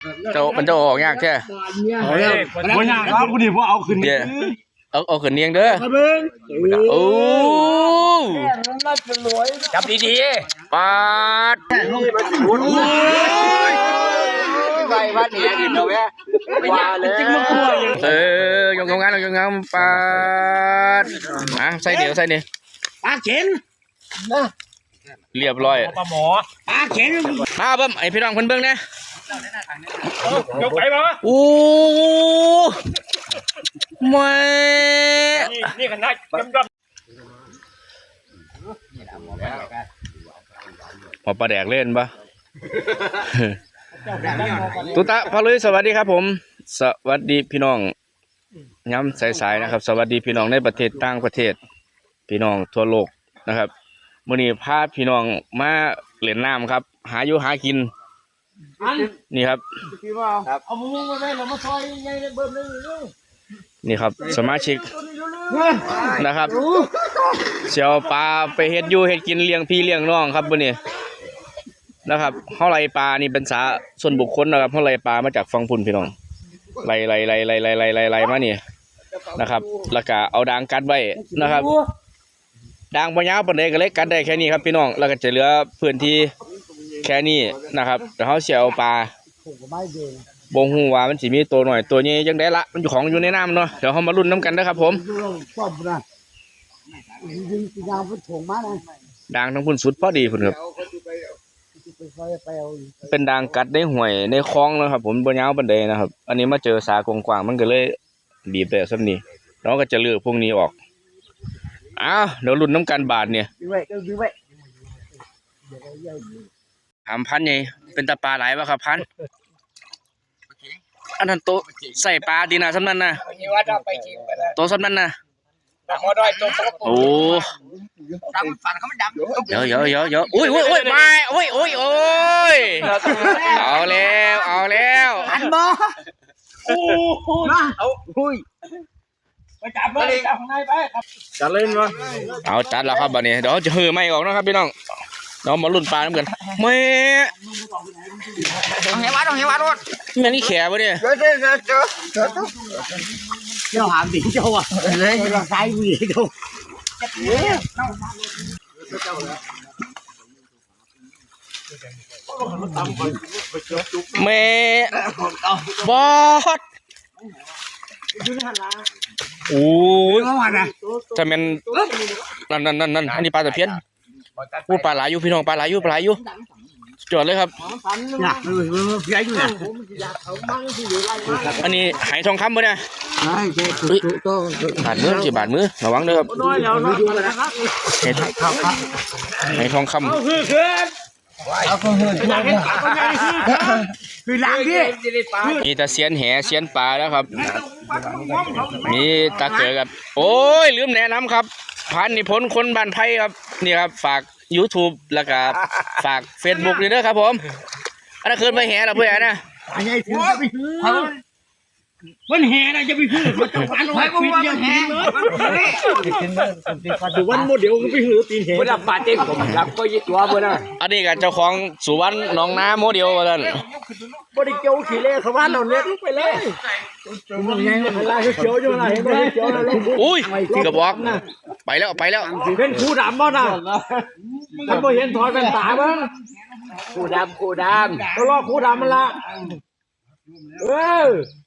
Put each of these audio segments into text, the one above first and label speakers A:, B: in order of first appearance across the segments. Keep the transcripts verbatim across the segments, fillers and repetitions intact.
A: เจ้ามันจะออกยากแค่
B: เอาแล้วบ่ยากครับกูดิบ่เอาขึ้นนี่
A: เอาเอาขึ้นเนียงเด้อโอ้จับดีๆปาด
C: ไปวัดนี่กินเอาแม่ว่าเลย
A: เออยงงานยงงานปาดอ่ะใส่เดี๋ยวใส่เนี่ย
C: ปลาเข็น
A: เรียบร้อย
B: ปลาหมอ
C: ปลาเข็น
A: มาเบิ่มไอพี่น้องเพิ่นเบิ่งนะ
B: ยกไปบ่
A: โอ้ไม่
B: นี่ขนาดดำ
A: พอปลาแดกเล่นปะตุตะพาลุยสวัสดีครับผมสวัสดีพี่น้องย้ำสายๆนะครับสวัสดีพี่น้องในประเทศต่างประเทศพี่น้องทั่วโลกนะครับมื้อนี้พาพี่น้องมาเล่นน้ำครับหาอยู่หากินนี่ครับ
C: เอามุ้งมาได้เรามาซอยยังไงเบิ่มนึง
A: นี่ครับสมาชิกนะครับเชียวปลาไปเฮ็ดอยู่เฮ็ดกินเลี้ยงพี่เลี้ยงน้องครับมื้อนี้นะครับเฮาไล่ปลานี่เป็นสาส่วนบุคคลนะครับเฮาไล่ปลามาจากฝั่งพุ่นพี่น้องไล่ไล่ไล่ไล่ไล่ไล่ไล่ไล่มานี่นะครับแล้วก็เอาด่างกัดไว้นะครับด่างบ่ยาวปานใดก็เลยกัดได้แค่นี้ครับพี่น้องแล้วก็จะเหลือพื้นที่แค่นี้นะครับเดี๋ยวเฮาสิเอาปลาบ่ฮู้ว่ามันสิมีตัวหน่อยตัวใหญ่จังได๋ละมันอยู่ของอยู่ในน้ำเนาะเดี๋ยวเฮามาลุ้นน้ำกันนะครับผมด่างทั้งพุ่นสุดพอดีพุ่นครับเป็นด่างกัดในห่วยในคลองนะครับผมบ่ยาวปานใดนะครับอันนี้มาเจอสากว้างๆมันก็เลยบีบได้ซำนี้เราก็จะเลือกพวกนี้ออกอ้าวเดี๋ยวลุ้นน้ำกันบาทเนี่ยถามพันไงเป็นตาปลาหลายป่ะครับพันอันนั้นโตใส่ปลาดีนะสำนั้นนะโตสำนั้นนะโอ้เยอะเยอะเยอะเยอะอุ้ยอุ้ยอุ้ยมาอุ้ยอุ้ยโอ้ยเอาแล้วเอาแล้ว
C: อันบ่โอ้มาเอาอุ้ย
B: ไปจับเลยจับข้างในไปครับจัดเล่นวะ
A: เอาจัดแล้วครับบัดนี้เดี๋ยวจะหือไม่ออกนะครับพี่น้องเรามาลุ้นปลาน้ำกันแม่
C: เอาเหี้ยวัดเอาเหี้ยวัดรถ
A: แม่นี่แขวะเนี่ย
C: เจ้าเจ้าเจ้าเจ้าเจ้าหามดิเจ้าอ่ะเลยเราใช้วีเจ้า
A: แม่บอสโอ้ยจะเป็นนั่นนั่นนั่นนั่นอันนี้ปลาตะเพียนพูดปลาหลายอยู่พี่น้องปลาหลายอยู่ปลาหลายอยู่จอดเลยครับอันนี้หายทองคำปะเนี่ยบาดมือจีบาดมือระวังด้วยครับหายทองคำ
C: คือล้างดิ
A: มีตาเสียนแหเสียนปลาแล้วครับมีตาเกิดครับโอ้ยลืมแนะนำครับพันนิพนธ์คนบ้านไผ่ครับนี่ครับฝาก YouTube แล้วก็ฝาก Facebook ด้วยนะครับผมอันนั้นคืนไปแห่เราเพื่อนนะ
C: อันนี้ถือจะไปถือวันแห่นะจะไปถือมันต้องการไว้ก็ว่าวันแห่
B: สุวรรณโมเดลก็ไปถือตีนแห่
C: เวลาปาเต้ผมรับก็ยึดตัวเพื่อนนะ
A: อันนี้กับเจ้าของสุวรรณน้องน้าโมเดลกัน
C: บริเกียวขี่เล่เขาว่าเราเล็กไปเลยอะไรเขียวอยู่อะไรเห็นไหมเขียวอะไร
A: อุ้ยที่กระบอกไปแล้วไปแล้ว
C: เป็นคู่ดำบ้างนะท่านบ่เห็นถอยเป็นตาบ้างคู่ดำคู่ดำก็รอคู่ดำมันละเออ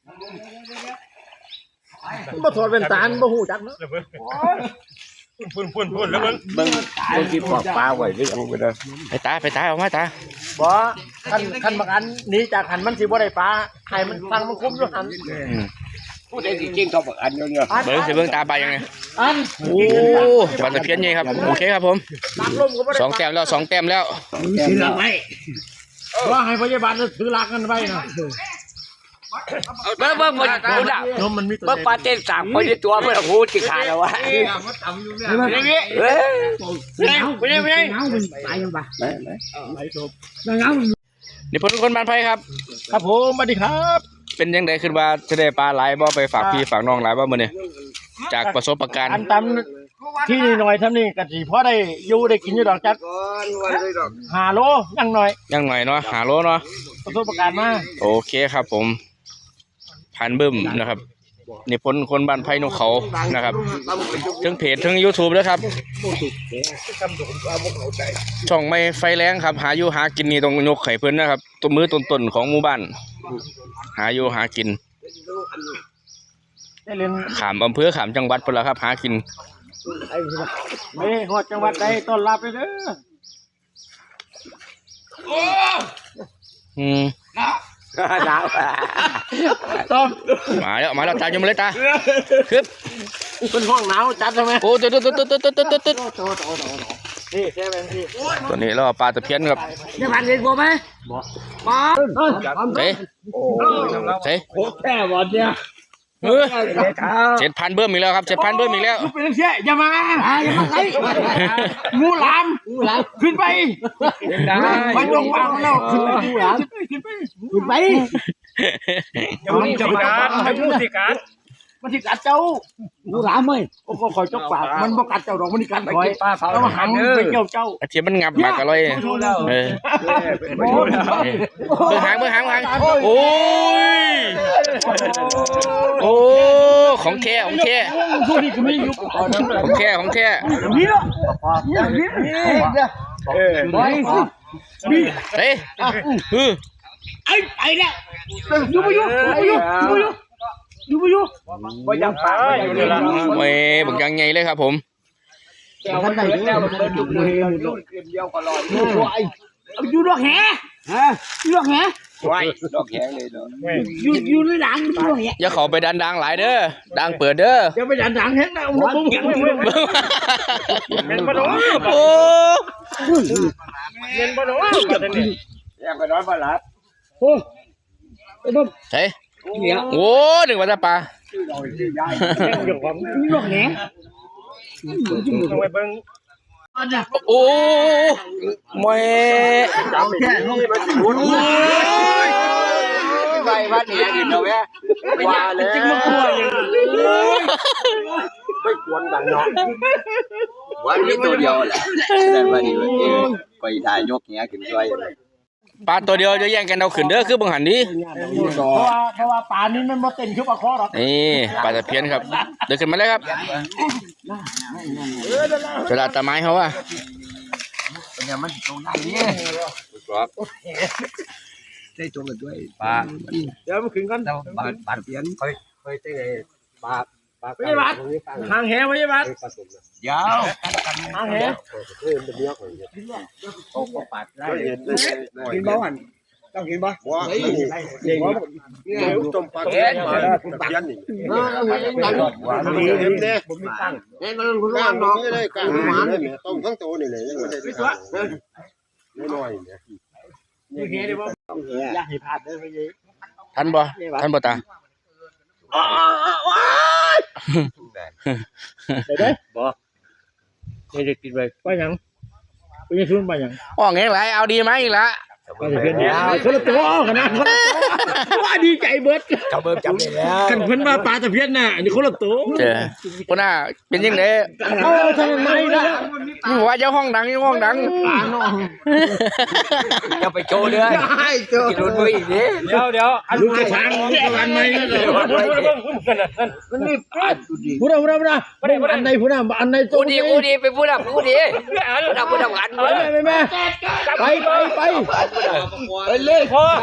C: มาถอดเป็นตาบ่หูจักเนาะ
B: พุ่นพุ่นพุ่นแล้วมึง
C: มึงมึงกินปอกปลาไว้ด้วยเอาไปเลย
A: ไปตาไปตาเอามาตา
C: บ่คันคันบางอันนี้จากหันมันสิบ่ได้ปลาให้มันฟังมันคุ้มอยู่หันผู้ใดสิเก่งเท่าบางอันอยู่เนี่ย
A: เบิ่งสิเบิ่งตาไปยังไง
C: อัน
A: โอ้ปลาตะเพียนใหญ่ครับโอเคครับผมสองแต้มแล้วสองแต้มแล้ว
C: ถือลักไว้ว่าให้พยาบาลถือลักกันไว้นะเบิ่งเบิ่งมันกูด่าเบิ่งปลาเต้นสามคนในตัวเพื่อนหูจิขาดแล้ววะเฮ้ยเฮ้ยไปเลยไปเลยตายยังปะ
A: นี่พลคนบ้านไผ่ครับ
B: ครับผมสวัสดีครับ
A: เป็นยังไงขึ้นว่าจะได้ปลาหลายบ่ไปฝากพี่ฝากน้องหลายบ่มื้อนี้จากประสบการณ์
C: อันตำ
B: ที่นี่หน่อยทำนี่กะสิพอได้อยู่ได้กินอยู่ดอกจักหาโลยังหน่อย
A: ยังหน่อยเนาะหาโลเนาะ
B: ประสบการณ์มา
A: โอเคครับผมพันบึ้มนะครับนี่พลคนบ้านไผ่นกเขานะครับทั้งเพจทั้ง YouTube ด้วยครับช่องไม่ไฟแรงครับหาอยู่หากินนี่ต้องยกไข่เพิ่นนะครับตัวมือต้นๆของหมู่บ้านหาอยู่หากิน
B: ได้เรียน
A: ขามอำเภอขามจังหวัดพุ่นละครับหากิน
B: เฮ้ยฮอดจังหวัดใดต้อนรับเลยเด้อ
A: อืม
C: หนาว
B: ต้อม
A: มาแล้วมาแล้วตามยมเลยตาคึบ
B: เป็นห้องหนาวจัดใช่ไหม
A: โอ้ตึ๊ดตึ๊ดตึ๊ดตึ๊ดตึ๊ดตึ๊ดตึ๊ด
B: นี่ใช่ไหมพี่
A: ตัวนี้เราปลาตะเพียนครับ
C: จะผ่านเรียนกูไหมมา
A: เฮ้ยเฮ้ย
B: โอ้แค่บอลเนี่ย
A: เออเจ็ดพันเบิ้มอีกแล้วครับเจ็ดพันเบิ้มอีกแล้ว
B: เป็นเชี่ยอย่ามาอย่ามาไล่งูหลามงูหลามขึ้นไปไปลงวางแล้วขึ้นไปงูหลามขึ้นไปขึ้นไปอย่ามาจับการให้ผู้สิการมันสิกัดเจ้างูหลามไหมโอ้ก็คอยจกปากมันบ่กัดเจ้าดอกมันกัดคอยแล้วมาหันไปเกี่ยวเจ้า
A: อาเทียมมันงับมากอร่อยเออเบื้องหางเบื้องหางเบื้องหางโอ้ยโอ้ของแท้ของแท้ของแท้ของแท้
B: นี่เนาะนี่นี่เออไปนี่
A: เฮ้ยเออ
B: ไอ้ไอ้เนี่ยอยู่ไปอยู่ไปอยู่ไปอยู่อยู่ไปอยู่ไปยังปากไปอยู่เลยล่ะ
A: เว้ยบักยังไงเลยครับผม
B: ท่านไหนเนี่ยมันเป็นอยู่เลยอยู่เดียวก็รออยู่อยู่ดอกแหฮะอยู่ดอกแห
C: ไว้ดอกแข็งเลยเนาะ
B: อยู่อยู่ในหลังอยู่ดอกแห
A: อย่าเข้าไปดันดังหลายเด้อดังเปิดเด้อ
B: อย่าไปดันหลังแหนะผมผมยังไม่เป็นบ่ดอก
A: โอ้
B: เป็นบ่ดอกกันนี่
C: ยังก็นอนมาหลับ
B: โอ้ไอ้บ่
A: ใช่โอ้หนึ่งวันจะปลา
B: อยู่ของอยู่ดอกแหต้องไปเบิ่ง
A: โอ้แม่
B: เอาแค่นี้มันสิหุ่น
C: ไปบ้านเนี่ยดิเนาะแม่ว่าเลย
B: จริงมันกลัวอย่าง
C: ไม่ควรกันเนาะวันนี้ตัวเดียวแหละแต่วันนี้มันเออไปได้ยกเงี้ยขึ้นด้วย
A: ปลาตัวเดียวจะแย่งกันเอาขึ้นเด้อคือบังหันนี้
B: เพราะว่าเพราะว่าป่านี้มันบ่เต็มคือปลาคอหรอก
A: นี่ปลาตะเพียนครับเดินขึ้นมาเลยครับกระดาษตะไม้เขาว่า
C: เนี่ยมันตรงไหนเนี่ยครับได้ตรงกันด้วยปลา
B: เดี๋ยวมันขึ้นกัน
C: ปลาปลาเพี้ยนเคยเคยได้ไงปลาปลา
B: พยาบาลหางแหพยาบาล
C: ยาว
B: หางแห
C: โอ้ก็ปัดได้กินบ้านต้องกินบ้านว้าเด็กเนี่ยต้มปลาเพี้ยนมาปลาเพี้ยนนี่ดีดีเด้ผมมีตังค์เห็นมันคุณว่าน้องเลยกลางหวานเนี่ยต้มทั้งตัวนี่เลยยังไม่ได้ทานน้อยๆเนี่ย
B: นี่แหดิบ่อย่าให้พลาดเด้อพี่
A: ทันบ่ทันบ่ตา
B: ได้เด้บ่ไม่ได้กินไปไปหยังไปยังซุนไปหยัง
A: อ๋อไงไรเอาดีไหมอีกละ
B: ไปเพิ่นยาวคนละตัวขนาดคนละตัวว่าดีใจเบิด
C: จับเบิ่มจับได้แล้ว
B: กันเพิ่นมาปลาตะเพียนน่ะอันนี้คนละตัว
A: เจอพ่อหน้าเป็นยังไง
B: เออทำไมล่ะ
A: มึงว่าเจ้าห้องดังเจ้าห้องดัง
B: ปลาน้อง
C: จะไปโชว์เลยกินรถมืออีกดิ
B: เดี๋ยวเดี๋ยวอันลูกกระชังอันใหม่ก็ได้มันนี่พูดเอาพูดเอาพูดเอาอันไหนพูดเอาอันไหน
C: กูดีกูดีไปพูดอ่ะพูดดีพูดอ่ะพูดอ่ะกัน
B: ไปไปไปไปไปไปเลยพอ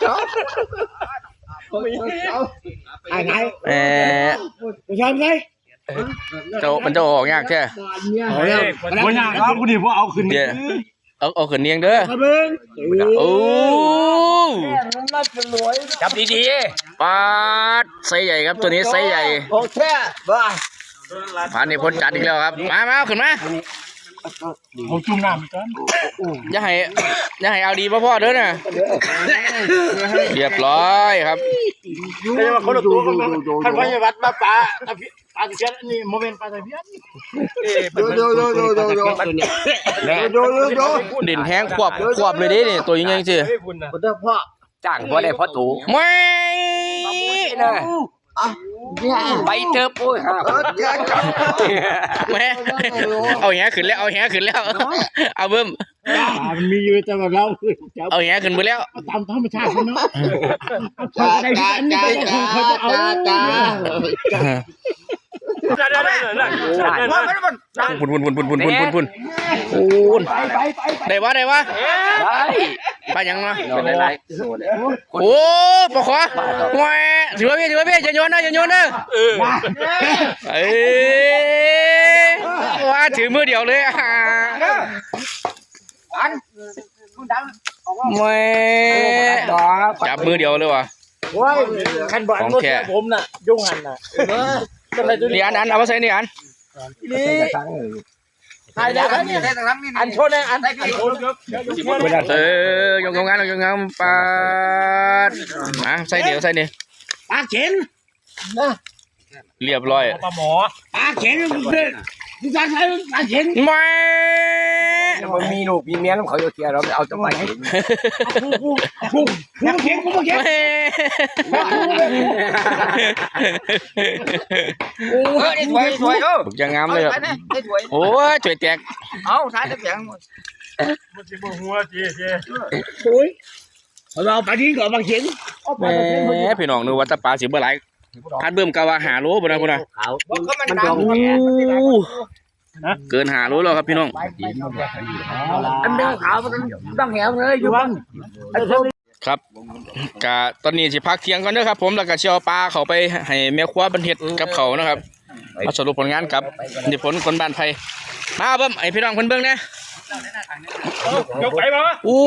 B: ไอ้ไง
A: เออ
B: ผู้ชายไง
A: เจ้ามันจะออกยากแค่
B: เอาแล้วผู้ชายครับผู้ดีพวกเอาขึ้น
A: เดี๋ยวเอาเอาขึ้นเนียงเด้อ
B: มาเบิ้ง
A: โอ้
C: จับดี
A: ปลาไซส์ใหญ่ครับตัวนี้ไซส์ใหญ่
C: ๆโอเคบ้า
A: ผ่านนี่พ้นจัดอีกแล้วครับมามาเอาขึ้นมา
B: ผมจุ่มน้ำกัน
A: อย่าให้อย่าให้เอาดีพ่อพ่อเด้อนะเรียบร้อยครับ
B: ไม่ใช่ว่าคนละตัวกันท่านพยาวัดมาปลาตะเพียนปลาตะเพียนนี่โมเมนต์ปลาตะเพียนโดโดโดโดโดโดโดโด
A: เด่นแห้งควบควบเลยดินี่ตัวยังไงสิ
B: พ่อ
C: จ้างพอได้พอตู่
A: ไม่
C: นะไปเจอปุ้ยครับ
A: แม่เอาแหขึ้นแล้วเอาแหขึ้นแล้วเอาเบิ่ม
B: มันมีอยู่แต่ว่าเราจะ
A: เอาแหขึ้นไปแล้ว
B: ตามธรรมชาติเนาะจ้าจ้าจ้าจ้าจ้าจ้า
A: พุ่นพุ่นพุ่นพุ่นพุ่นพุ่นพุ่นพุ่นพุ่น
B: ไปไปไป
A: ได้วะได้วะ
C: ได้
A: ไปยังเนาะ
C: เป็นไร
A: โอ้ปะขวาแหวถือว่าพี่ถือว่าพี่อย่าโยนนะอย่าโยนนะเอ้ยว่าถือมือเดียวเลยอ่ะแหวจับมือเดียวเลยว่ะ
B: ว้ายขันบอลรถผมน่ะยุ่งหันน่ะ
A: นี่อันอันเอามาใส่นี่อัน
B: นี่ใครได้เนี่ยอันโชว์เนี่ยอันอันโชว์
A: เออยงงานยงงานปาดอ่ะใส่เดียวใส่นี่
B: ปากเข็น
A: เรียบร้อย
B: ปลาหมอปากเข็นคือคือการใช้ปากเข็น
A: แหว
C: มันมีลูกมีเมียแล้วเขาจะเคลียร์เราเอาจะไป
B: ผู้ผู้ผู้ผู้เข็นผู้เข็น
C: โอ้ยสวยสวยเออ
A: บุกยังงามเลยครับโอ้ยจ่วยแตก
C: เอาท้ายจะแข็ง
B: มันจะบ่หัวจีจีโอ้ยเราไปดิ้งก่อนปากเข็น
A: แหมพี่น้องนึกว่าตะปลาสิบ่หลายพัดเบิ่มกะว่าหาโลบ่นะพุ่นน่ะ
C: ขาวมันดำ
A: อู้เกินหาโลแล้วครับพี่น้อง
C: อันเดียวขาวมันต้องแหวเลยอยู่บ้าน
A: ครับกะตอนนี้สิพักเที่ยงก่อนเด้อครับผมแล้วก็สิเอาปลาเข้าไปให้แม่ครัวเพิ่นเฮ็ดกับเขาวนะครับมาสรุปผลงานกับนิพนธ์คนบ้านไผมาเบิ่มให้พี่น้องเพิ่นเบิ่งนะ
B: ยกไปมา
A: อู้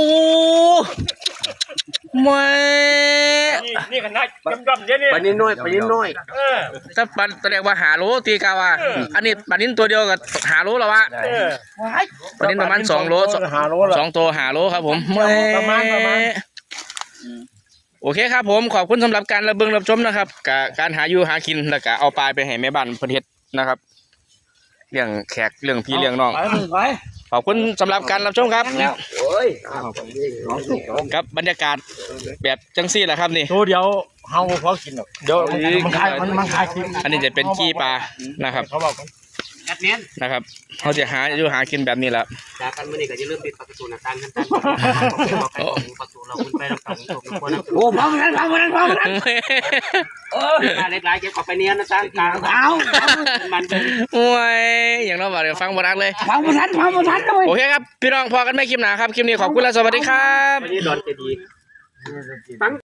A: แม่
B: นี่ขนาดดำๆเดี๋ยวนี้
C: ปนิดน้อยปนิดน้อย
B: เออ
A: ถ้าปันแสดงว่าหาโลตีกาว่าอันนี้ปลานิ้นตัวเดียวกับหาโลแล้ววะ
B: เออ
A: ปลานิ้นประมาณสองโลสอง
B: หาโลละ
A: สองตัวหาโลครับผมแห
B: ประมาณประมาณ
A: โอเคครับผมขอบคุณสำหรับการรับเบิ่งรับชมนะครับกับการหาอยู่หากินแล้วก็เอาปลาไปให้แม่บ้านเพิ่นเฮ็ดนะครับเรื่องแขกเรื่องพี่เรื่องน้อง
B: ไปไป
A: ขอบคุณสำหรับการรับชมครับ
C: โอ้ย
A: ครับบรรยากาศแบบจังซี่แหละครับนี่
B: ตัวเดียวเฮาพอกินหรอกเดี๋ยวมันคายมันมันคายกิน
A: อันนี้จะเป็นกี้ปลานะครับ
B: เขาบอก
C: กัดเนี้ย
A: นะครับเขาจะหาอยู่หากินแบบนี้แหละ
C: จากกันมื่อนี้ก็จะเริ่มปิดประตูหน้าต่างกันตั้งประตูเราขึ้นไปเราต่างตกคนนั้นโอ้พังนั้นพังนั้นพังนั้นเออเล็กๆเก็บกับไปเนี้ยนะตั้งกลางเอามัน
A: โอ้ยอย่างน้อยว่าเดี๋ยวฟังบรักเลย
B: พังบ่ทันพังบ่ทันเลย
A: โอเคครับพี่น้องพอกันไม่คลิปหนาครับคลิปนี้ขอบคุณและสวัสดีครับ
C: วันนี้ดอนจะดี